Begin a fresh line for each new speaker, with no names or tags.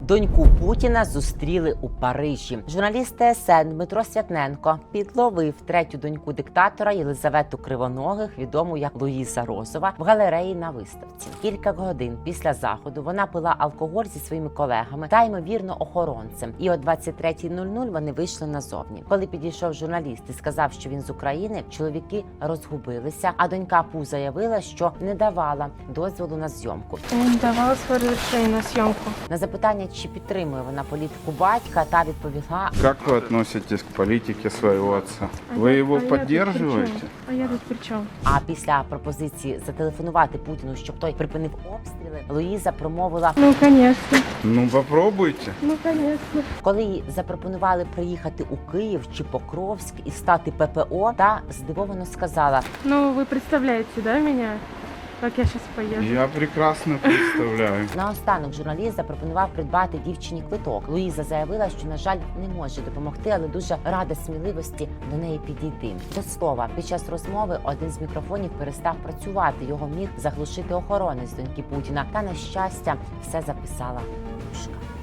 Доньку Путіна зустріли у Парижі. Журналіст ТСН Дмитро Святненко підловив третю доньку диктатора Єлизавету Кривоногих, відому як Луїза Розова, в галереї на виставці. Кілька годин після заходу вона пила алкоголь зі своїми колегами та, ймовірно, охоронцем. І о 23:00 вони вийшли назовні. Коли підійшов журналіст і сказав, що він з України, чоловіки розгубилися, а донька Пу заявила, що не давала дозволу на зйомку.
Не давала своє розрішення на зйомку.
На запитання, чи підтримує вона політику батька, та відповіла:
Как вы относитесь к политике своего отца? Вы его поддерживаете?
А я тут при чому?
А після пропозиції зателефонувати Путіну, щоб той припинив обстріли, Луїза промовила:
Ну, звісно.
Ну попробуйте.
Ну, звісно.
коли їй запропонували приїхати у Київ чи Покровськ і стати ППО, та здивовано сказала:
Ну, ви представляєте, да, мене? Як я зараз поїду?
Я прекрасно представляю.
Наостанок журналіст запропонував придбати дівчині квиток. Луїза заявила, що, на жаль, не може допомогти, але дуже рада сміливості до неї підійти. До слова, під час розмови один з мікрофонів перестав працювати. Його міг заглушити охоронець доньки Путіна. Та, на щастя, все записала душка.